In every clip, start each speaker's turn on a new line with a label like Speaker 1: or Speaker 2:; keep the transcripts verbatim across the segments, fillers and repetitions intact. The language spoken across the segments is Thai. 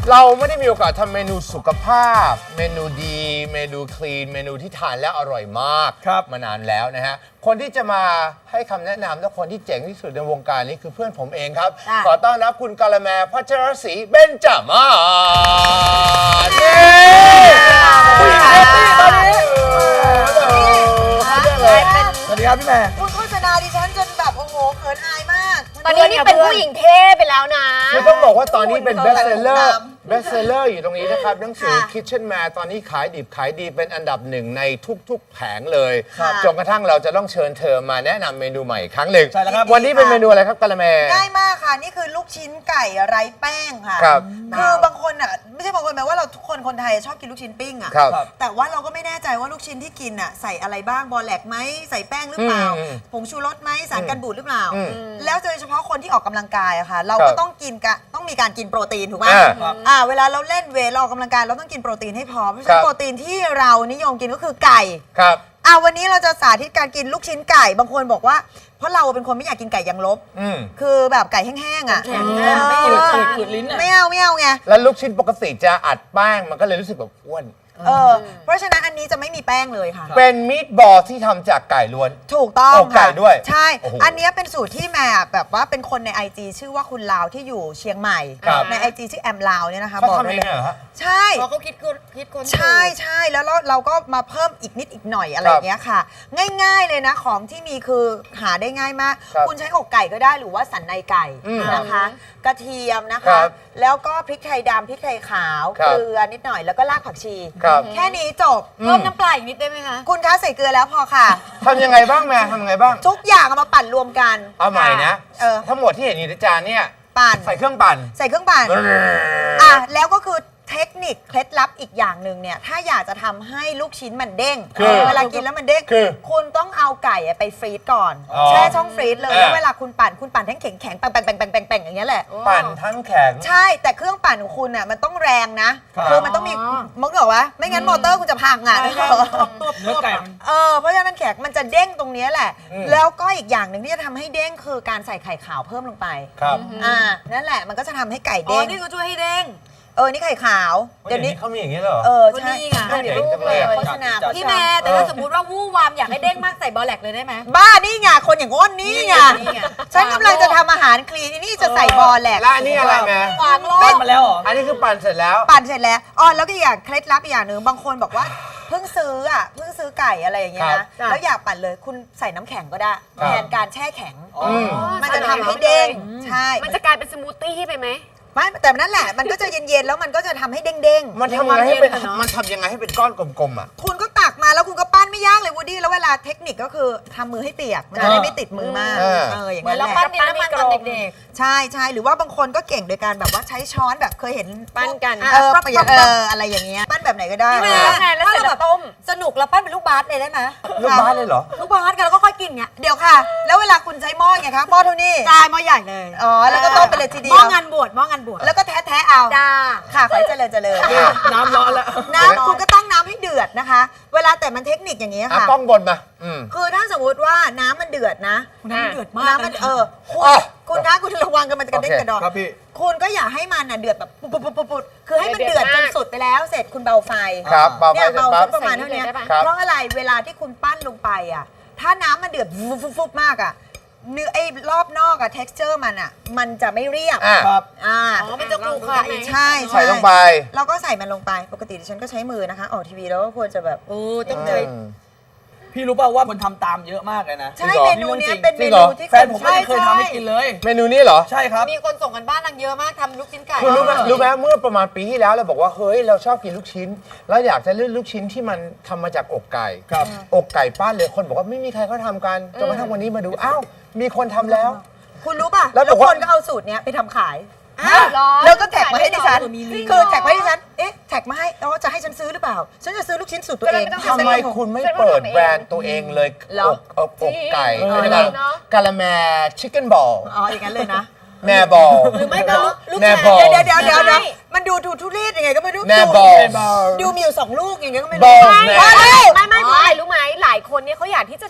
Speaker 1: เราไม่ได้มีโอกาสทำเมนูสุขภาพเมนูดีเมนูคลีนเมนูที่ทานแล้วอร่อยมากมานานแล้วนะฮะคนที่จะมาให้คำแนะนำและคนที่เจ๋งที่สุดในวงการนี้คือเพื่อนผมเองครับขอต้อนรับคุณกาละแมพัชรศรีเบญจมาศเย้ผู้หญิงเซ็กซี่ตอนนี้สวัสดีครับพี่แม่
Speaker 2: คุณโฆษณาดิฉันจนแบบโอ้โหเขินอายมาก
Speaker 3: ตอนนี้นี่เป็นผู้หญิงเท่ไปแล้วนะ
Speaker 1: คือต้องบอกว่าตอนนี้เป็นเบสเซลเลอร์เบสเซลเลอร์อยู่ตรงนี้นะครับหนังสือ Kitchen Man ตอนนี้ขายดิบขายดีเป็นอันดับหนึ่งในทุกๆแผงเลยจนกระทั่งเราจะต้องเชิญเธอมาแนะนำเมนูใหม่ครั้งหนึ่งวันนี้เป็นเมนูอะไรครับกะละแม
Speaker 2: ง่ายมากค่ะนี่คือลูกชิ้นไก่ไร้แป้งค่ะคือบางคนอ่ะไม่ใช่บางคนแม้ว่าเราทุกคนคนไทยชอบกินลูกชิ้นปิ้งอ่ะแต่ว่าเราก็ไม่แน่ใจว่าลูกชิ้นที่กินอ่ะใส่อะไรบ้างบอแลกไหมใส่แป้งหรือเปล่าผงชูรสไหมสารกันบูดหรือเปล่าแล้วโดยเฉพาะคนที่ออกกำลังกายอะค่ะเราก็ต้องกินกะต้องมีการกินโปรตีนถูกไหมอ่าเวลาเราเล่นเวทเราออกกำลังกายเราต้องกินโปรตีนให้พอเพราะฉะนั้นโปรตีนที่เรานิยมกินก็คือไก่
Speaker 1: ครับ
Speaker 2: อ่าวันนี้เราจะสาธิตการกินลูกชิ้นไก่บางคนบอกว่าเพราะเราเป็นคนไม่อยากกินไก่ยางลบคือแบบไก่แห้งๆอ่ะ
Speaker 3: ไม่เอา
Speaker 2: ขืดลิ้นไม่เอาไม่เอาไง
Speaker 1: แล้วลูกชิ้นปกติจะอัดแป้งมันก็เลยรู้สึกแบบอ้วน
Speaker 2: เออเพราะฉะนั้นอันนี้จะไม่มีแป้งเลยค่ะ
Speaker 1: เป็นมีดบอลที่ทำจากไก่ล้วน
Speaker 2: ถูกต้อง
Speaker 1: ค่ะไก่ด้วย
Speaker 2: ใช่อันนี้เป็นสูตรที่แม่แบบว่าเป็นคนใน ไอ จี ชื่อว่าคุณลาวที่อยู่เชียงใหม่ใน ไอ จี ชื่อแอมลาวเนี่ยนะคะ
Speaker 1: บอกเลยใช่
Speaker 2: เขาคิดคนคิดคนใช่ใช่แล้วเราก็มาเพิ่มอีกนิดอีกหน่อยอะไรอย่างเงี้ยค่ะง่ายๆเลยนะของที่มีคือหาได้ง่ายมากคุณใช้อกไก่ก็ได้หรือว่าสันในไก่นะคะกระเทียมนะคะแล้วก็พริกไทยดำพริกไทยขาวเกลือนิดหน่อยแล้วก็รากผักชีแค่นี้จบ
Speaker 3: เพิ่มน้ำปลาอีกนิดได้ไหมคะ
Speaker 2: คุณคะใส่เกลือแล้วพอค่ะ
Speaker 1: ทำยังไงบ้างแม่ทำยังไงบ้าง
Speaker 2: ทุกอย่างเอามาปั่นรวมกัน
Speaker 1: เอาใหม่นะทั้งหมดที่เห็นอยู่ในจานเนี่ย
Speaker 2: ปั่น
Speaker 1: ใส่เครื่องปั่น
Speaker 2: ใส่เครื่องปั่นอ่ะแล้วก็คือเทคนิคเคล็ดลับอีกอย่างหนึ่งเนี่ยถ้าอยากจะทำให้ลูกชิ้นมันเด้งเวลากินแล้วมันเด้งคุณต้องเอาไก่ไปฟรีซก่อนแช่ช่องฟรีซเลยแล้วเวลาคุณปั่นคุณปั่นทั้งแข็งแข็งแป่งแป่งแป่งแป่งแป่งแป่งอย่างเงี้ยแหละ
Speaker 1: ปั่นทั้งแข็ง
Speaker 2: ใช่แต่เครื่องปั่นของคุณอ่ะมันต้องแรงนะคือมันต้องมีมึงเหรอวะไม่งั้นมอเตอร์คุณจะพังอ่ะ
Speaker 4: เนื้อไก่
Speaker 2: เออเพราะฉะนั้นมันแข็งมันจะเด้งตรงนี้แหละแล้วก็อีกอย่างหนึ่งที่จะทำให้เด้งคือการใส่ไข่ขาวเพิ่มลงไป
Speaker 1: ครับ
Speaker 2: อ่านั่นแหละมันก็จะทำให้ไก่เด้ง
Speaker 3: อ๋อนี่ก็ช่วยให้เด้ง
Speaker 2: เออนี่ไข่ขาว
Speaker 1: เดี๋ยวนี้เขามีอย่างนี้เหรอ
Speaker 2: เออใช่
Speaker 3: นี่ไง
Speaker 2: เดี๋ยวรูปเลยโฆษณา
Speaker 3: พี่แม่แต่ถ้าสมมติว่าวู่วามอยากให้เด้งมากใส่บอแลกเลยได้ไหม
Speaker 2: บ้านี่ไงคนอย่างอ้นนี่ไงฉันกำลังจะทำอาหารคลีนนี่จะใส่บอแลก
Speaker 1: แล้วอันนี้อะไรแม่
Speaker 2: วางโล
Speaker 4: กมาแล้วเหรอ
Speaker 1: อันนี้คือปั่นเสร็จแล้ว
Speaker 2: ปั่นเสร็จแล้วอ๋อแล้วก็อย่างเคล็ดลับอีกอย่างหนึ่งบางคนบอกว่าเพิ่งซื้ออ่ะเพิ่งซื้อไก่อะไรอย่างเงี้ยนะแล้วอยากปั่นเลยคุณใส่น้ำแข็งก็ได้แทนการแช่แข็งมันจะทำให้เด้งใช่
Speaker 3: มันจะกลายเป็นสมูทตี้ไปไหม
Speaker 2: ไม่แต่นั่นแหละมันก็จะเย็นๆแล้วมันก็จะทำให้เด้ง
Speaker 1: ๆมันทำยังไงให้เป็นมันทำยังไงให้เป็นก้อนกลมๆอ่ะ
Speaker 2: คุณก็ตักมาแล้วคุณก็ปั้นไม่ยากเลยวูดดี้แล้วเวลาเทคนิคก็คือทำมือให้เปียกมันจะได้ไม่ติดมือมากเอออย่างนั้นแหละ
Speaker 3: แล้วปั้นดินน้ำมันตอนเด็ก
Speaker 2: ๆใช่ใช่หรือว่าบางคนก็เก่งโดยการแบบว่าใช้ช้อนแบบเคยเห็น
Speaker 3: ปั้นกัน
Speaker 2: เออเอออะไรอย่างเงี้ยปั้นแบบไหนก็ได้
Speaker 3: แล้วเสร็จแล้วต้มสนุกแล้วปั้นเป็นลูกบาสเลยได้ไหม
Speaker 1: ลูกบาสเลยเหรอ
Speaker 3: ลูกบาสกันแล้วก็ค่อยกินเงี้ย
Speaker 2: เดี๋ยวค่ะแล้วเวลาคุณใช้หม้อไงคะหม้อเท่านี้
Speaker 3: ใช่หม้อใหญ่เลย
Speaker 2: อ๋อแล้วก็ต้มไปเลยทีเดียว
Speaker 3: หม้องานบวชหม้องานบวช
Speaker 2: แล้วก็แท้ๆเอา
Speaker 3: จ้า
Speaker 2: ค่ะขอเจริญเจริญ
Speaker 4: น้ำร้อนแล้ว
Speaker 2: น้ำคุณก็ตั้งน้ำให้เดือดนะคะเวลาแต่มันเทคนิคอย่างนี้ค่ะ
Speaker 1: ต้องบนมา
Speaker 2: คือถ้าสมมติว่าน้ำมันเดือดนะ
Speaker 3: น้ำเดือดมาก
Speaker 2: น้ำมันเออคุณคุณคะคุณระวังกันมันจะกระเด้งกระดอน
Speaker 4: ครับพี่
Speaker 2: คุณก็อย่าให้มันเดือดแบบปุ๊บปุ๊บปุ๊บปุ๊บคือให้มันเดือดจนสุดไปแล้วเสร็จคุณเบาไฟ
Speaker 1: ครับเบาไฟ
Speaker 2: เบาประมาณเท่านี้เพราะอะไรเวลาที่คุณปั้นลงไปอ่ะถ้าน้ำมันเดือดฟุบฟุบมากอ่ะเนื้อไอ้รอบนอกอะ texture มันอะมันจะไม่เรียบ
Speaker 1: ครับ
Speaker 2: อ่า
Speaker 3: อ๋อมันจะกรูค่ะ
Speaker 2: ใช่
Speaker 1: ใส่ลงไป
Speaker 2: เราก็ใส่มันลงไปปกติดิฉันก็ใช้มือนะคะออกทีวีแล้วก็ควรจะแบบ
Speaker 3: โอ้ต้องใช้
Speaker 4: พี่รู้ป่าวว่าคนทำตามเยอะมากเลยนะ
Speaker 2: ใช่เมนูนี้เป็นเมนูที่
Speaker 4: แฟนผมไม่เคยทำให้กินเลย
Speaker 1: เมนูนี้เหรอ
Speaker 4: ใช่ครับ
Speaker 3: มีคนส่งกันบ้านนางเยอะมากทำลูกชิ้นไก่
Speaker 1: คุณรู้ไหมรู้ไหมเมื่อประมาณปีที่แล้วเราบอกว่าเฮ้ยเราชอบกินลูกชิ้นแล้วอยากจะเลือกลูกชิ้นที่มันทำมาจากอกไก่อกไก่ป้านเลยคนบอกว่าไม่มีใครเขาทำกันจนกระทั่งวันนี้มาดูอ้าวมีคนทำแล้ว
Speaker 2: คุณรู้ป่ะแล้วคนก็เอาสูตรนี้ไปทำขายแล้วก็แท็กมาให้ดิฉันคือแท็กมาให้ดิฉันเอ๊ะแท็กมาให้แล้วจะให้ฉันซื้อหรือเปล่าฉันจะซื้อลูกชิ้นสูตรตัวเอง
Speaker 1: ทำไมคุณไม่เปิดแบรนด์ตัวเองเลยอกอกไก่กะละแมชิคเก้นบอล
Speaker 2: อ๋ออย่างนั้นเลยนะ
Speaker 1: แม่บอล
Speaker 3: หรือไม่ก็
Speaker 1: แม่บอล
Speaker 2: เดี๋ยวเดี๋ยวเดี๋ยวเดี๋ยวมันดูทุทุเรศยังไงก็ไม่รู้
Speaker 1: แม่บอล
Speaker 2: ดูมีอยู่สองลูกอย่างเงี้ยก็ไม่รู้
Speaker 3: ไม่ไม่ไม่ไม่รู้ไหมหลายคนเนี่ยเขาอยากที่จะทานอาหาร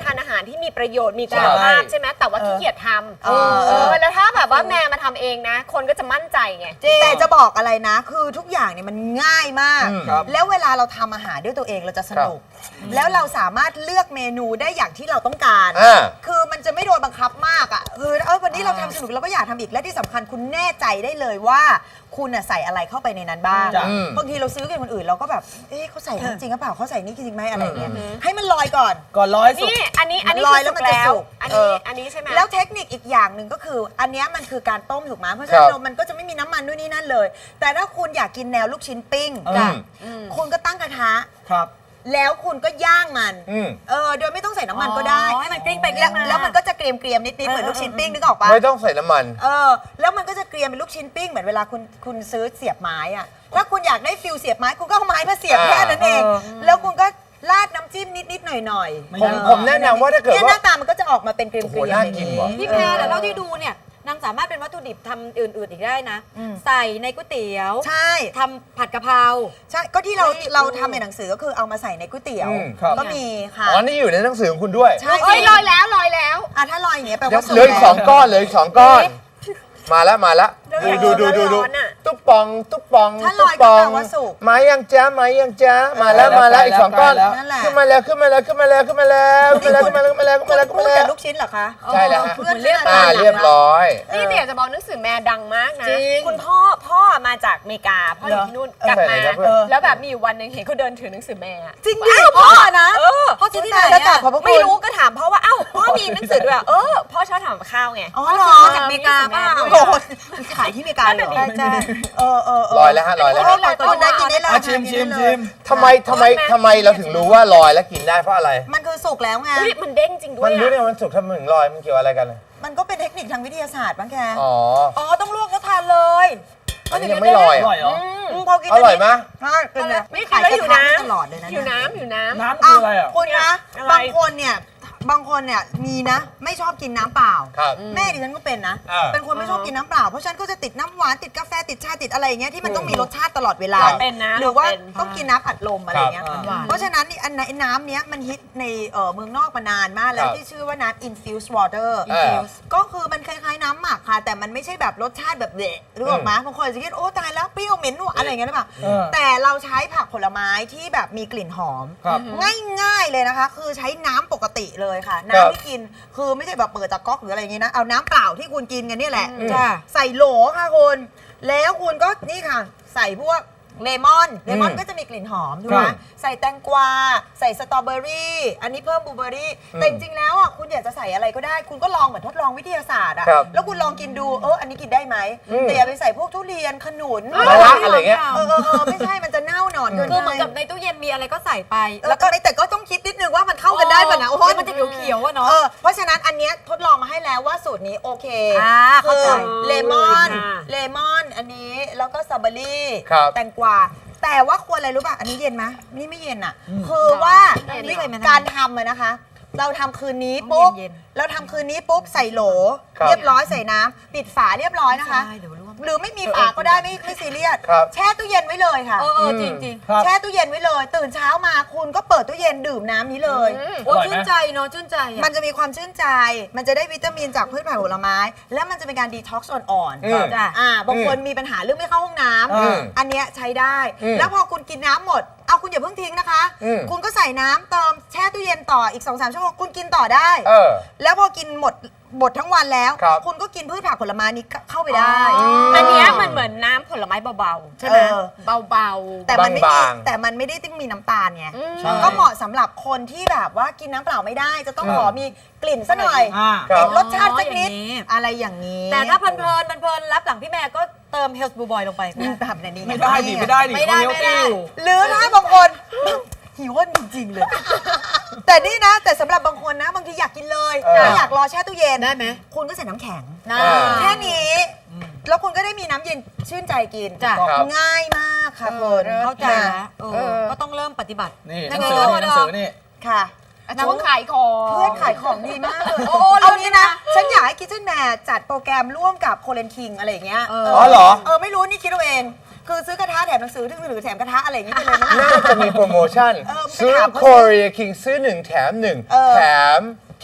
Speaker 3: ที่มีประโยชน์มีคุณภาพใช่ไหมแต่ว่าขี้เกียจทำ
Speaker 2: เออ
Speaker 3: เออแล้วถ้าแบบว่าแม่มาทำเองนะ คนก็จะมั่นใจไง
Speaker 2: แต่จะบอกอะไรนะ คือทุกอย่างเนี่ยมันง่ายมาก
Speaker 1: อืม
Speaker 4: ครับ
Speaker 2: แล้วเวลาเราทำอาหารด้วยตัวเองเราจะสนุก แล้วเราสามารถเลือกเมนูได้อย่างที่เราต้องการ
Speaker 1: อ่า
Speaker 2: คือมันจะไม่โดนบังคับมากอ่ะคือเออวันนี้เราทำสนุกเราก็อยากทำอีกและที่สำคัญคุณแน่ใจได้เลยว่า คุณน่ะใส่อะไรเข้าไปในนั้นบ้าง
Speaker 4: จ้ะ
Speaker 1: อืม
Speaker 2: บางทีเราซื้อกันคนอื่นเราก็แบบเอ๊ะเขาใส่น้ำจริงหรือเปล่าเขาใส่นี่จริงไหมอะไรอย่างเงี้ยให้มันลอยก่อน
Speaker 4: ก่อนร้อยสุก
Speaker 3: นี่อันนี้อันนี้
Speaker 2: มันลอย
Speaker 3: คือสุก
Speaker 2: แล้วมันจะ
Speaker 3: แล้ว
Speaker 2: สุก
Speaker 3: อัน
Speaker 2: เอ
Speaker 3: นี้
Speaker 2: อ
Speaker 3: อันนี้ใช่ไหม
Speaker 2: แล้วเทคนิคอีกอย่างหนึ่งก็คือ อันเนี้ยมันคือการต้มถูกไหมเพราะฉะนั้
Speaker 1: ครั
Speaker 2: น
Speaker 1: บ
Speaker 2: มันก็จะไม่มีน้ำมันด้วยนี่นั่นเลย แต่ถ้าคุณอยากกินแนวลูกชิ้นปิ้ง
Speaker 1: อืม
Speaker 2: คุณก็ตั้งกระทะ
Speaker 4: ครับ
Speaker 2: แล้วคุณก็ย่างมัน
Speaker 1: อืม
Speaker 2: เออโดยไม่ต้องใส่น้ำมันก็ได้
Speaker 3: อ๋อให้มันกลิ้งไปกลิ้
Speaker 2: แล้ว
Speaker 3: งมา
Speaker 2: แล้วมันก็จะเกรียมเกรียมๆนิดๆเหมือนลูกชิ้นปิ้งนึกออกปะ
Speaker 1: ไม่ต้องใส่น้ำมัน
Speaker 2: เออแล้วมันก็จะเกรียมเป็นลูกชิ้นปิ้งเหมือนเวลาคุณคุณซื้อเสียบไม้อะถ้าคุณอยากได้ฟิลเสียบไม้คุณก็เอาไม้มาเสียบ
Speaker 1: อ่า
Speaker 2: แค่นั้นเอง
Speaker 4: เออ
Speaker 2: แล้วคุณก็ราดน้ำจิ้มนิดๆหน่อย
Speaker 4: ไม่
Speaker 2: ๆ
Speaker 1: ผม
Speaker 4: ยาก
Speaker 1: ผมแนะนำว่าถ้าเกิด
Speaker 2: เนี่ยห
Speaker 1: ว่า
Speaker 2: น้าตามันก็จะออกมาเป็นเกรียม
Speaker 1: โอ้
Speaker 2: ๆ
Speaker 1: โหน่ากินว่ะ
Speaker 3: พี่แพรแต่เท่าที่ดูเนี่ยนางสามารถเป็นวัตถุดิบทำอื่น ๆ อีกได้นะ
Speaker 2: อืม
Speaker 3: ใส่ในก๋วยเตี๋ยว
Speaker 2: ใช่
Speaker 3: ทำผัดกะเพรา
Speaker 2: ใช่ก็ที่เรา
Speaker 3: เฮ้ย
Speaker 2: เราทำในหนังสือก็คือเอามาใส่ในก๋วยเตี๋ยว
Speaker 1: อืม
Speaker 4: ครับ
Speaker 2: ก็มีค่ะ
Speaker 1: อ๋อ นี่อยู่ในหนังสือของคุณด้วย
Speaker 2: ใช่
Speaker 3: เอ้ยลอยแล้วลอยแล้ว
Speaker 2: อ่ะถ้าลอยอย่างเงี้ยแปล
Speaker 1: เดี๋ยว
Speaker 2: ว่าสุก
Speaker 1: เหลืออีกสอง
Speaker 2: แล้ว
Speaker 1: ก้อนเหลืออีกสองก้อน มาแล้วมาแล้ว
Speaker 3: เดี๋ยว
Speaker 1: ดูดูดูดูดู
Speaker 3: ร้อนๆอะ
Speaker 1: ตุ๊บปองตุ๊บปอง
Speaker 2: ถ้าล
Speaker 1: ตุ๊บ
Speaker 2: อย
Speaker 1: ป
Speaker 2: ก็
Speaker 1: อง
Speaker 2: แปลว่าสุก
Speaker 1: มายังจ้ามายังจ้ามาแล้ว
Speaker 4: ใกล้แล้ว
Speaker 1: มาแล้วอีกสองก้อน
Speaker 4: ใกล้แล้ว
Speaker 2: นั่นแหละ
Speaker 1: ขึ้นมาแล้วขึ้นมาแล้วขึ้นมาแล้วขึ้นมาแล้วขึ้นมาแล้วขึ้นมาแล้วขึ้นมาแล้วขึ้น
Speaker 2: คุ
Speaker 1: มา
Speaker 2: ณ
Speaker 1: แล้วขึ้น
Speaker 2: พู
Speaker 1: มา
Speaker 2: ด
Speaker 1: แล้
Speaker 2: กับ
Speaker 1: ว
Speaker 2: ลูกชิ้นเหรอคะ
Speaker 1: ใช่แล้วฮะ
Speaker 2: เพื่อน
Speaker 3: เรียบ
Speaker 1: อ่าเรียบร้อย
Speaker 3: นี่เดี๋ยวจะบอกหนังสือแม่ดังมากนะ
Speaker 2: จริง
Speaker 3: คุณพ่อพ่อมาจากอเมริกาพ่ออยู่ที่นู่นกลับมา
Speaker 1: เออไหนครับเพื่อน
Speaker 3: แล้วแบบมีอยู่วันหนึ่งเห็นเขาเดินถือหนังสือแม่อะ
Speaker 2: จริงดิ
Speaker 3: อ้าว
Speaker 2: พ่อนะ
Speaker 3: เออพ่อซื้อที่ไหน
Speaker 2: แล้วกรา
Speaker 3: อะ
Speaker 2: บขอบพระคุณ
Speaker 3: ไม่รู้ก็ถามพ่อว่าเอ้าพ่อมีหนังสือด้วยอะเออพ่อชอบทำกับข้าวไง
Speaker 2: อ๋อเหรอ
Speaker 3: จากอเมริกาเปล่า
Speaker 2: โอ้โหขายที่อเมริกาเหรอ
Speaker 3: ใช่ใช่
Speaker 2: เออเออเ
Speaker 1: ลอยแล้วฮะลอยแล้ว
Speaker 2: เออลอยตัวได้กินได้เลย
Speaker 4: อ่ะชิมชิมชิม
Speaker 1: ทำไมทำไมทำไมเราถึงรู้ว่าลอยแล้วกินได้เพราะอะไร
Speaker 2: มันคือสุกแล้วไง
Speaker 3: เฮ้ยมันเด้งจริงด้ว
Speaker 1: มั
Speaker 3: ย
Speaker 1: นรู้ได้
Speaker 3: อะ
Speaker 1: ไงมันสุกทำไมถึงลอยมันเกี่ยวอะไรกัน
Speaker 2: มันก็เป็นเทคนิคทางวิทยาศาสตร์บ้างแก
Speaker 1: อ๋อ
Speaker 2: อ๋อต้องลวกแล้วทานเลย
Speaker 1: อันนี้ยังไม่ลอย
Speaker 4: อ
Speaker 1: อ่ะ
Speaker 4: ร่อยเหรอ
Speaker 2: อืมพอกิน
Speaker 1: อร่อยไหม
Speaker 2: ใช่เป็นไง
Speaker 3: นี่กินแล้วอยู่น้
Speaker 2: ตลอดเลยนะ
Speaker 3: ำอยู่น้ำอยู่น้ำ
Speaker 4: น้ำคืออะไรอ่ะ
Speaker 2: คุณนะ
Speaker 3: อะไร
Speaker 2: บางคนเนี่ยบางคนเนี่ยมีนะ ไม่ชอบกินน้ำเปล่า
Speaker 1: ครับ
Speaker 2: แม่ดิฉันก็เป็นนะ
Speaker 1: อ่า
Speaker 2: เป็นคนไม่ชอบกินน้ำเปล่า เพราะฉะนันก็จะติดน้ำหวานติดกาแฟติดชาติดอะไรอย่างเงี้ยที่มันต้องมีรสชาติตลอดเวลา
Speaker 1: ครับ
Speaker 3: เป็นนะ
Speaker 2: หรือว่า
Speaker 3: เป็น
Speaker 2: ต้องกินน้ำอัดลมอะไรอย่างเงี้ย
Speaker 4: ครับ
Speaker 3: หวาน
Speaker 2: เพราะฉะนั้นนี่อันไหนน้ำเนี้ยมันฮิตในเอ่อเมืองนอกมานานมากแล้
Speaker 1: คว รับ
Speaker 2: ที่ชื่อว่าน้ำ infused water
Speaker 1: เออ
Speaker 2: infused ก็คือมันคล้ายๆน้ำหมักค่ะ แต่มันไม่ใช่แบบรสชาติแบบเดะหรือออกมาบางคนจะคิดโอ้ตายแล้วเปรี้ยวเหม็นหวานอะไรอย่างเงี้ยหรือเปล่า
Speaker 4: เออ
Speaker 2: แต่เราใช้ผักผลไม้ที่แบบมีกลิ่นหอม
Speaker 4: ครับ
Speaker 2: ง่ายๆเลยนะคะ คือใช้น้ำปกติเลยค่ะ
Speaker 1: ครับ
Speaker 2: น้ำที่กินคือไม่ใช่แบบเปิดจากก๊อกหรืออะไรอย่างงี้นะ เอาน้ำเปล่าที่คุณกินกันเนี่ยแหละ
Speaker 1: อืม
Speaker 2: จ้ะใส่โหลค่ะคุณ แล้วคุณก็นี่ค่ะ ใส่พวกเลมอนเลมอน
Speaker 1: อืม
Speaker 2: ก็จะมีกลิ่นหอมถูกไหม
Speaker 1: ครับ
Speaker 2: ใส่แตงกวาใส่สตรอเบอรี่อันนี้เพิ่มบลูเบอรี่
Speaker 1: อืม
Speaker 2: แต่จริงๆแล้วอ่ะคุณอยากจะใส่อะไรก็ได้ คุณก็ลองเหมือนทดลองวิทยาศาสตร์อ่ะ
Speaker 1: ครับ
Speaker 2: แล้วคุณลองกินดูเอออันนี้กินได้ไหม
Speaker 1: อืม
Speaker 2: แต่อย่าไปใส่พวกทุเรียนขนุน
Speaker 1: มะระอะไรเงี้ย
Speaker 2: เออเออเออไม่ใช่มันจะเน่าหนอนเกิน
Speaker 3: คือเหมือน
Speaker 2: ไป
Speaker 3: กับในตู้เย็นมีอะไรก็ใส่ไป
Speaker 2: แล้วก็แต่ก็ต้องคิดนิดนึงว่ามันเข้ากันได้ป่ะนะโอ้
Speaker 3: โอ้
Speaker 2: ย
Speaker 3: ยมันจะเขียวๆอะเนาะ
Speaker 2: เออเพราะฉะนั้นอันเนี้ยทดลองมาให้แล้วว่าสูตรนี้โอเค
Speaker 3: อ่าเข้า
Speaker 2: คือ
Speaker 3: ใจ
Speaker 2: เลมอน
Speaker 3: ค่ะ
Speaker 2: เลมอนอันนี้แล้วก็สตรอเบอรี่
Speaker 1: ครับ
Speaker 2: แตงกวาแต่ว่าควรอะไรรู้ป่ะอันนี้เย็นไหมนี่ไม่เย็นอ่ะ คือว่า
Speaker 3: เย็นเหรอ
Speaker 2: วิธีการทำอะนะคะ เราทำคืนนี้ปุ๊บ
Speaker 3: เย็น
Speaker 2: เราทำคืนนี้ปุ๊บใส่โหล
Speaker 1: ครับ
Speaker 2: เรียบร้อยใส่น้ำปิดฝาเรียบร้อยนะคะ
Speaker 3: ใช่เดี๋ยวร่วม
Speaker 2: หรือไม่มีฝาก็ได้ไม่ไม่ซีเรียส
Speaker 1: ครับ
Speaker 2: แช่ตู้เย็นไว้เลยค่ะ
Speaker 3: เออเออจริงจริง
Speaker 4: ครับ
Speaker 2: แช่ตู้เย็นไว้เลย ตื่นเช้ามาคุณก็เปิดตู้เย็นดื่มน้ำนี้เลย
Speaker 3: โอ้
Speaker 4: อร่อยไหม
Speaker 3: ชื่นใจเนาะชื่นใจอะ
Speaker 2: มันจะมีความชื่นใจ มันจะได้วิตามินจากพืชผักผลไม้ และมันจะเป็นการดีท็อกซ์อ่อน
Speaker 1: อืม
Speaker 2: จ้ะอ่าบางคนมีปัญหาเรื่องไม่เข้าห้องน้
Speaker 1: อืม
Speaker 2: ำอันเนี้ยใช้ได้
Speaker 1: อืม
Speaker 2: แล้วพอคุณกินน้ำหมด เอาคุณอย่าเพิ่งทิ้งนะคะ
Speaker 1: อืม
Speaker 2: คุณก็ใส่น้ำเติมแช่ตู้เย็นต่ออีก สองสาม ชั่วโมงคุณกินต่อได้
Speaker 1: เออ
Speaker 2: แล้วพอกินหมดหมดทั้งวันแล้ว
Speaker 1: ครับ
Speaker 2: คุณก็กินพืชผักผลไม้นี้เข้าไปได้
Speaker 3: อันเนี้ยมันเหมือนน้ำผลไม้เบาๆ ใช่ไหม
Speaker 2: เออ
Speaker 3: เบาๆ
Speaker 2: แต่มันไม่มี
Speaker 1: บางๆ
Speaker 2: แต่มันไม่ได้ต้องมีน้ำตาลไง
Speaker 3: อืม
Speaker 4: ใช่
Speaker 2: ก็เหมาะสำหรับคนที่แบบว่ากินน้ำเปล่าไม่ได้ จะต้อง
Speaker 1: อืม
Speaker 2: ขอมีกลิ่นซะหน่อย
Speaker 4: อ่า
Speaker 1: ครับ
Speaker 2: ติดรสชาติสักนิด
Speaker 3: อ๋ออย่างนี้
Speaker 2: อะไรอย่างนี้
Speaker 3: แต่ถ้าเพลินเพลินๆเพลินๆรับหลังพี่แม่ก็เติมเฮลส์บูบอยลงไปก็
Speaker 2: อื
Speaker 3: ได้
Speaker 2: มแบบนี้ง
Speaker 4: ไม่ได้ดิไม่ได้ดิ
Speaker 3: ไม่ได้
Speaker 4: เขา
Speaker 3: ไม่ได้
Speaker 4: เฮลตี้อยู่
Speaker 2: หรือถ้าบางคน หิวว่าจริงๆเลย แต่นี่นะ แต่สำหรับบางคนนะ บางทีอยากกินเลย
Speaker 1: เออ
Speaker 2: ไม่อยากรอแช่ตู้เย็น
Speaker 3: ได้ไหม
Speaker 2: คุณก็ใส่น้ำแข็ง
Speaker 3: นะ
Speaker 1: อ่า
Speaker 2: แค่นี้ แล้วคุณก็ได้มีน้ำเย็นชื่นใจกิน
Speaker 3: จ้ะ
Speaker 1: ครับ
Speaker 2: ง่ายมากค่ะคุณ
Speaker 3: เข้าใจ
Speaker 2: ค่ะ
Speaker 3: แล้วเอ
Speaker 2: เอ
Speaker 3: อ
Speaker 2: อ
Speaker 3: ก็ต้องเริ่มปฏิบัติ
Speaker 4: นี่ห
Speaker 3: ยั
Speaker 4: นั
Speaker 3: ง
Speaker 4: ง
Speaker 3: ไง
Speaker 4: สือ
Speaker 3: เนอะ
Speaker 4: นี่หนังสือนี่
Speaker 2: ค่ะ
Speaker 3: น้ำขายของ
Speaker 2: เพื่อนขายของดีมากเลย
Speaker 3: โอ้
Speaker 2: เอา
Speaker 3: เลิศ
Speaker 2: งี้
Speaker 3: นะ
Speaker 2: นะ ฉันอยากให้คิทเช่นแมร์จัดโปรแกรมร่วมกับโคเรนคิงอะไรอย่างเงี้ย
Speaker 3: เออ
Speaker 1: อ๋อเหรอ
Speaker 2: เออไม่รู้นี่คิดเอาเอง คือซื้อกระทะแถมหนังสือถึงหรือแถมกระทะอะไรอย่างเงี้ยไปเลยนะ
Speaker 1: น่าจะมีโปรโมชั่น
Speaker 2: เออ
Speaker 1: ซื้อ
Speaker 2: ไปถามเขา
Speaker 1: Korea King ซื้อหนึ่งแถมหนึ่ง
Speaker 2: เออ
Speaker 1: แถม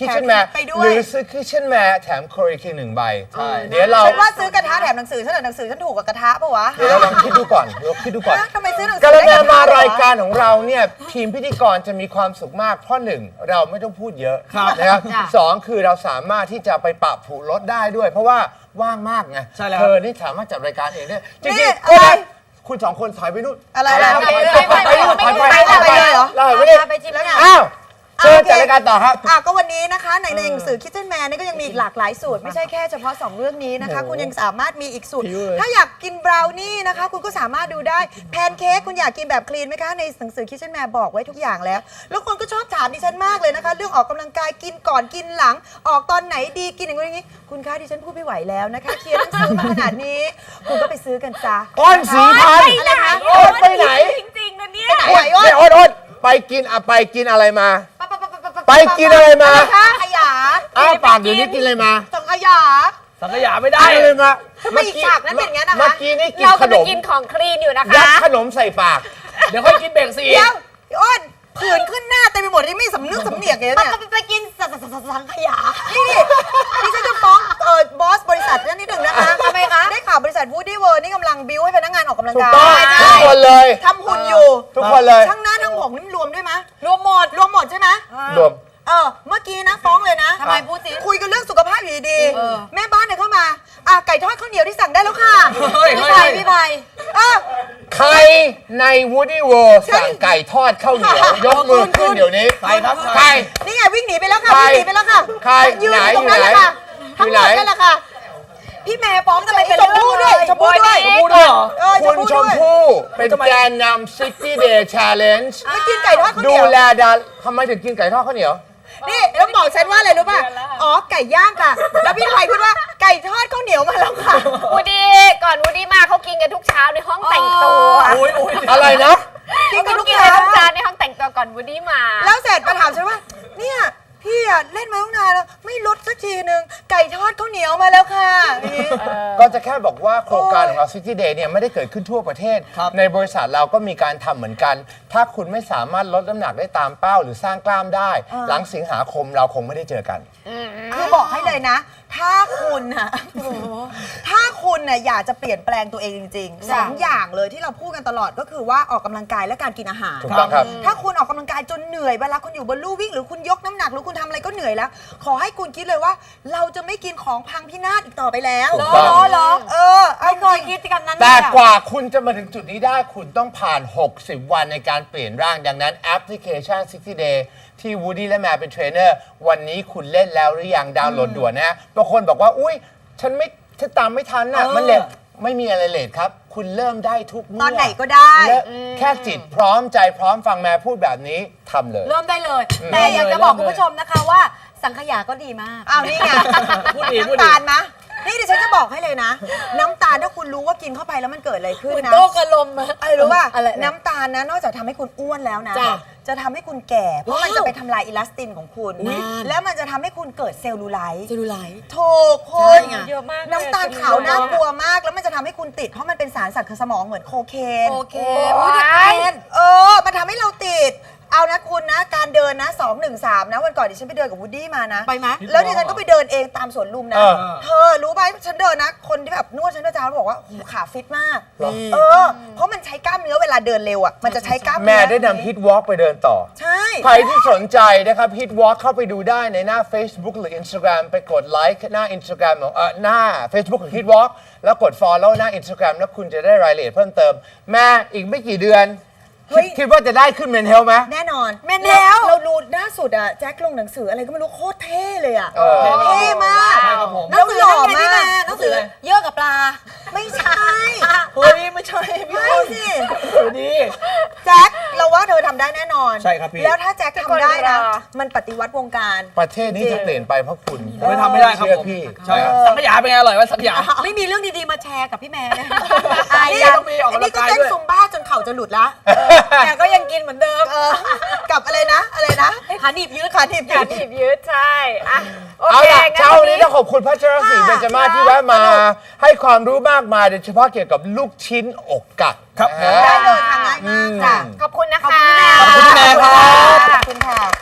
Speaker 1: Kitchen Man
Speaker 2: ไปด้วย
Speaker 1: หรือซื้อ Kitchen Man แถม Korea King หนึ่งใบ
Speaker 4: ใช่
Speaker 1: เดี๋ยวเรา
Speaker 2: ฉันว่าซื้อกระทะแถมหนังสือฉันแต่หนังสือฉันถูกกว่ากระทะปะวะ
Speaker 1: เดี๋ยวเราลองคิดดูก่อนลองคิดดูก่อน
Speaker 2: ฮะทำไมซื้อหนังสื
Speaker 1: ก
Speaker 2: อ
Speaker 1: ระ
Speaker 2: ได้
Speaker 1: แน
Speaker 2: กระทะ
Speaker 1: มาราย
Speaker 2: เหอ
Speaker 1: การของเราเนี่ยทีมพิธีกรจะมีความสุขมากเพราะหนึ่งเราไม่ต้องพูดเยอะ
Speaker 4: ครับ
Speaker 1: นะครับ
Speaker 3: จ้ะ
Speaker 1: สองคือเราสามารถที่จะไปปรับผูรถได้ด้วย เพราะว่าว่างมากไง
Speaker 4: ใช่แล้ว
Speaker 1: เธอนี่สามารถจัดรายการเองได้จ
Speaker 2: นี่
Speaker 1: ริงๆ
Speaker 2: อะไร
Speaker 1: คุณสองคนถอยไปนู่น
Speaker 2: อะไรอะไร
Speaker 1: ถอย
Speaker 2: อะไร
Speaker 1: ไปไปนู่นถอยไป
Speaker 2: ไป
Speaker 1: ถอย
Speaker 2: ไปเลยเหรอ
Speaker 1: เราถอยไปนี่
Speaker 3: ไปชิมแล้วไง
Speaker 1: อ้าวเชิญจัดรายการต่อครับ
Speaker 2: อ่ะก็วันนี้นะคะในหนังสือ Kitchen Man นี่ก็ยังมีอีกหลากหลายสูตร ไม่ใช่แค่เฉพาะ สอง เรื่องนี้นะคะ
Speaker 1: โอ้โห
Speaker 2: คุณยังสามารถมีอีกสูตร
Speaker 1: หิวเลย
Speaker 2: ถ้าอยากกินบราวนี่นะคะ คุณก็สามารถดูได้แพนเค้กคุณอยากกินแบบคลีนไหมคะ ในหนังสือ Kitchen Man บอกไว้ทุกอย่างแล้ว แล้วคนก็ชอบถามดิฉันมากเลยนะคะ เรื่องออกกำลังกายกินก่อนกินหลัง ออกตอนไหนดีกินอย่างนี้อย่างนี้คุณคะดิฉันพูดไม่ไหวแล้วนะคะเขียนหนังสือมาขนาดนี้ คุณก็ไปซื้อกันจ้า
Speaker 1: อ้อนสีพัน
Speaker 3: ไป
Speaker 1: ธุ์
Speaker 3: ไหน
Speaker 1: โอ๊ตไปไหน
Speaker 3: จริงๆนะเนี่ย
Speaker 2: ไปไหนอ้น
Speaker 1: เนี่ยโอ๊ตโอ๊ตไปกินอะไปกินอะไรมา ไปกินอะไรมา
Speaker 2: คะขยะ
Speaker 1: อ้าวปากเดี๋ยวนี้กินอะไรมา
Speaker 2: สังขยา
Speaker 4: สังขยาไม่ได้
Speaker 1: กินอะไรมา
Speaker 2: ทำไมอีกฉากนั้นเป็นอย่างนั้นนะคะ
Speaker 1: เมื่อกี้นี่กิน
Speaker 3: เรา
Speaker 1: ข
Speaker 3: กำ
Speaker 1: น
Speaker 3: ลัง
Speaker 1: ม
Speaker 3: กินของคลีนอยู่นะคะ
Speaker 1: ยัดขนมใส่ปาก
Speaker 4: เดี๋ยวค่อยกินเบรกสี
Speaker 2: เดี๋ยวพี่อ้นผื่นขึ้นหน้าเต็มไปหมดที่ไม่สำนึกสำเนียกเลย
Speaker 3: ไป
Speaker 2: เนี่ย
Speaker 3: ไปไปกินสัสังขยา
Speaker 2: นี่ดิฉันจะฟ้องเออบอสบริษัทนั่นนิดหนึ่งนะคะ
Speaker 3: ทำไมคะ
Speaker 2: ได้ข่าวบริษัทวูดดี้เวิร์นี่กำลังบิวให้พนักงานออกกำลัง
Speaker 1: ถูก
Speaker 2: กาย
Speaker 1: ต้อง
Speaker 2: ใช่
Speaker 1: ทุกคนเลย
Speaker 2: ทำหุ่นอยู่
Speaker 1: ทุกคนเลย
Speaker 2: ทั้งหน้าทั้งผมนี่รวมด้วยไหม
Speaker 3: รวมหมด
Speaker 2: รวมหมดใช่ไหม
Speaker 1: รวม
Speaker 2: เออเมื่อกี้นะฟ้องเลยนะ
Speaker 3: ทำไมพูดสิ
Speaker 2: คุยกันเรื่องสุขภาพอยู่ดี
Speaker 3: เออ
Speaker 2: ๆแม่บ้านเนี่ยเข้ามาอ่ะไก่ทอดข้าวเหนียวที่สั่งได้แล้วค่ะ
Speaker 4: เฮ้ย
Speaker 3: พี่
Speaker 4: เฮ้
Speaker 3: ไผ่
Speaker 4: ย
Speaker 3: พี่ไผ่
Speaker 2: เออ
Speaker 1: ใครใน Woody World สั่งไก่ทอดข้าวเหนียว ยกมือขึ้นเดี๋ยวนี้
Speaker 4: ใครครับ
Speaker 1: ใคร
Speaker 2: นี่ไงวิ่งหนีไปแล้วค่ะ
Speaker 1: ใคร
Speaker 2: วิ่งหนีไปแล้วค่ะ
Speaker 1: ใคร
Speaker 2: ยืน
Speaker 1: ไหน
Speaker 2: อยู่ตรงนั้นแหละค่ะ
Speaker 1: อยู่
Speaker 2: ทั้งห
Speaker 1: ไห
Speaker 2: ม
Speaker 1: น
Speaker 2: ดนั่นแหละค่ะ พี่แม่ฟ้องทำไมเป็น
Speaker 3: ช
Speaker 2: ช
Speaker 3: ม
Speaker 2: ม
Speaker 3: พู่
Speaker 2: พู่
Speaker 3: ด้
Speaker 2: ด้
Speaker 3: ว
Speaker 2: วย ยชมพู่ด้วย
Speaker 4: ชมพู่ด้วยเหรอ
Speaker 2: เออ
Speaker 1: คุณชม
Speaker 2: ด้วย
Speaker 1: พู่เป็นแกนนำ ซิตี้ เดย์ แชลเลนจ์
Speaker 2: ไม่กินไก่ทอดข้าวเห
Speaker 1: ดู
Speaker 2: นียว
Speaker 1: แลดาทำไมถึงกินไก่ทอดข้าวเหนียว
Speaker 2: นี่แล้วบอกฉันว่าอะไรรู้ป่ะ อ๋อ ไก่ย่างค่ะ แล้วพี่ไทยพูดว่าไก่ทอดข้าวเหนียวมาแล้วค่ะ
Speaker 3: วูดดี้ก่อนวูดดี้มาเขากินกันทุกเช้าในห้องแต่งตัว
Speaker 4: โอ้ยโอ้ย
Speaker 1: อะไรนะ
Speaker 2: กินกันทุก
Speaker 3: กิน
Speaker 2: เช้า
Speaker 3: กันทุกเช้าในห้องแต่งตัวก่อนวูดดี้มา
Speaker 2: แล้วเสร็จมาถามฉันว่า เนี่ย พี่อะเล่นมาตั้งนานแล้วไม่ลดสักทีนึง ไก่ทอดข้าวเหนียวมาแล้วค่ะอย่างนี้
Speaker 1: ก็จะแค่บอกว่าโครงการของเรา City Day เนี่ยไม่ได้เกิดขึ้นทั่วประเทศ
Speaker 4: ครับ
Speaker 1: ในบริษัทเราก็มีการทำเหมือนกัน ถ้าคุณไม่สามารถลดน้ำหนักได้ตามเป้าหรือสร้างกล้ามได้ หลังสิงหาคมเราคงไม่ได้เจอกัน
Speaker 2: คือบอกให้เลยนะ ถ้าคุณอะถ้าคุณน่ะอยากจะเปลี่ยนแปลงตัวเองจริงๆสองอย่างเลยที่เราพูดกันตลอดก็คือว่าออกกำลังกายและการกินอาหาร
Speaker 1: ถูกต้องครับ
Speaker 2: ถ้าคุณออกกำลังกายจนเหนื่อยเวลาคุณอยู่บนลู่วิ่งหรือคุณยกน้ำหนักหรือคุณทำอะไรก็เหนื่อยแล้ว ขอให้คุณคิดเลยว่า เราจะไม่กินของพังพินาศอีกต่อไปแล้ว
Speaker 1: ถูกต้อง
Speaker 3: เหรอ
Speaker 2: เออเอา
Speaker 3: ไม่เคยคิดกันนั้น
Speaker 1: แต่
Speaker 3: เลยอะ
Speaker 1: กว่าคุณจะมาถึงจุดนี้ได้คุณต้องผ่าน หกสิบ วันในการเปลี่ยนร่าง ดังนั้นแอปพลิเคชัน ซิตี้ เดย์ ที่ Woody และแมวเป็นเทรนเนอร์ วันนี้คุณเล่นแล้วหรือยังดาวน์โหลดด่วนนะฮะบางคนบอกว่า อุ้ยฉันไม่ฉันตามไม่ทันน่ะ
Speaker 4: เออ
Speaker 1: มันเลทไม่มีอะไรเลทครับ คุณเริ่มได้ทุกเมื่
Speaker 2: ตอนไหนก็ได้
Speaker 1: และแค่จิตพร้อมใจพร้อมฟังแม่พูดแบบนี้ทำเลย
Speaker 3: เริ่มได้เลย แต่อยากจะบอกคุณผู้ชมนะคะว่าสังขยาก็ดีมาก
Speaker 2: อ้าวนี่ไง
Speaker 4: พูดดีพูดดี
Speaker 2: น้ำตาลมะนี่ดิฉันจะบอกให้เลยนะ น้ำตาลถ้าคุณรู้ว่ากินเข้าไปแล้วมันเกิดอะไรขึ้น
Speaker 3: เหมือน
Speaker 2: นะ
Speaker 3: โต้กระลมอะ
Speaker 2: อะไรรู้ป่ะ
Speaker 3: อะไร
Speaker 2: น้ำตาลนะนอกจากทำให้คุณอ้วนแล้วนะ
Speaker 3: จ้ะ
Speaker 2: จะทำให้คุณแก่ เพราะมันจะไปทำลายอิลาสตินของคุณ
Speaker 3: อุ๊ย
Speaker 2: แล้วมันจะทำให้คุณเกิดเซลลูไลท์
Speaker 3: เซลลูไลท์
Speaker 2: ถูกคุ
Speaker 3: ใช่
Speaker 2: ณ
Speaker 3: ไงเยอะมากเลย
Speaker 2: น้ำตาลขาวน่ากลัวมาก แล้วมันจะทำให้คุณติด เพราะมันเป็นสารสั่งสมองเหมือนโคเคน
Speaker 3: โอเค
Speaker 2: โอ้ย
Speaker 3: ว้าย
Speaker 2: เออ มันทำให้เราติด เอานะคุณนะ การเดินนะสองหนึ่งสามนะ วันก่อนดิฉันไปเดินกับวูดดี้มานะ
Speaker 3: ไปไหม
Speaker 2: แล้วดิฉันก็ไปเดินเองตามสวนลุมนะ
Speaker 1: เออ
Speaker 2: เธอรู้ไหมฉันเดินนะ คนที่แบบนวดฉันเมื่อเช้าบอกว่าโอ้โหขาฟิตมาก
Speaker 1: เหรอ
Speaker 2: เออ เพราะมันใช้กล้ามเนื้อเวลาเดินเร็วอ่ะ มันจะใช้กล้ามเนื้
Speaker 1: แม่ได้นำฮิตวอล์กไปเดินต่อ
Speaker 2: ใช่
Speaker 1: ใครที่สนใจนะครับ Hit Walk เข้าไปดูได้ในหน้า Facebook หรือ Instagram ไปกดไลค์หน้า Instagram ของเอ่อหน้า Facebook ของ Hit Walk แล้วกด Follow หน้า Instagram แล้วคุณจะได้รายละเอียดเพิ่มเติม แม่อีกไม่กี่เดือน
Speaker 2: เฮ้ย
Speaker 1: คิดว่าจะได้ขึ้นเมนเทลไหม
Speaker 2: แน่นอน
Speaker 3: แม่นแล้ว
Speaker 2: เราดูล่าสุดอะแจ็คลงหนังสืออะไรก็ไม่รู้โคตรเท่เลยอะ
Speaker 1: เออ
Speaker 2: เท่มาก
Speaker 4: ใช่ครับผม
Speaker 2: แล้วหล่อมาก
Speaker 3: หนังสือเยอะกับปลา
Speaker 2: ไม่ใช่
Speaker 4: เฮ้ยไม่ใช่พี่
Speaker 2: ไม่
Speaker 4: คน
Speaker 2: สิ
Speaker 4: สวัสดี
Speaker 2: แจ็คเราว่าเธอทำได้แน่นอน
Speaker 4: ใช่ครับพี่
Speaker 2: แล้วถ้าแจ็คทำได้นะ
Speaker 3: เป็นคนรอ
Speaker 2: มันปฏิวัติวงการ
Speaker 1: ประเทศนี้จะเปลี่ยนไปเพราะคุณ
Speaker 4: ผมไม่ทำไม่ได้ครับ
Speaker 1: เชื่อ
Speaker 4: ผม
Speaker 1: พี่
Speaker 4: ใช่ครับสังขยาเป็นไงอร่อยไหมสังขยา
Speaker 3: ไม่มีเรื่องดีๆมาแชร์กับพี่แม่นะ
Speaker 2: อาย
Speaker 4: นี่
Speaker 2: ยัง
Speaker 4: ต้องมีออกกำลังกาย
Speaker 2: นี่ก็เต้น
Speaker 4: ด้วย
Speaker 2: ซุมบ้าจนเข่าจะหลุดละ
Speaker 3: แต่ก็ยังกินเหมือนเดิม
Speaker 2: เออกับอะไรนะ อะไรนะ
Speaker 3: ขาหนีบยืด
Speaker 2: ขาหนีบยื
Speaker 3: ขา
Speaker 2: ด
Speaker 3: หนีบยืดใช่อะโอ
Speaker 1: เอา
Speaker 3: เค
Speaker 1: ล่ะ
Speaker 3: งั้น
Speaker 1: เช้า
Speaker 3: วัน
Speaker 1: นี้
Speaker 3: นี้
Speaker 1: ต้องขอบคุณพัชรศรี
Speaker 2: ค่ะ
Speaker 1: เบญจมาศที่แวะมา
Speaker 2: สนุก
Speaker 1: ให้ความรู้มากมายโดยเฉพาะเกี่ยวกับลูกชิ้นอกกัด
Speaker 4: ครับ
Speaker 1: นะฮะ
Speaker 2: ได้เลยค่ะง่ายมากจ้ะ
Speaker 3: ขอบคุณนะคะ
Speaker 2: ขอบคุณพี่แม่
Speaker 4: ขอบคุณพี่แม่ครับ
Speaker 2: ขอบคุณค่ะ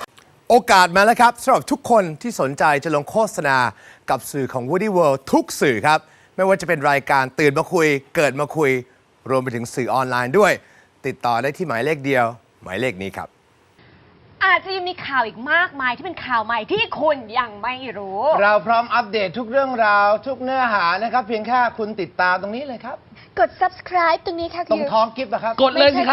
Speaker 1: โอกาสมาแล้วครับสำหรับทุกคนที่สนใจจะลงโฆษณากับสื่อของ Woody World ทุกสื่อครับ ไม่ว่าจะเป็นรายการตื่นมาคุย เกิดมาคุย รวมไปถึงสื่อออนไลน์ด้วย ติดต่อได้ที่หมายเลขเดียว หมายเลขนี้ครับ
Speaker 5: อาจจะยังมีข่าวอีกมากมายที่เป็นข่าวใหม่ที่คุณยังไม่รู้
Speaker 1: เราพร้อมอัปเดตทุกเรื่องราวทุกเนื้อหานะครับ เพียงแค่คุณติดตามตรงนี้เลยครับ
Speaker 5: กด subscribe ตรงนี้ค่ะ
Speaker 1: ตรงท้องกิฟต์นะครับ
Speaker 4: กดเลยสิครับ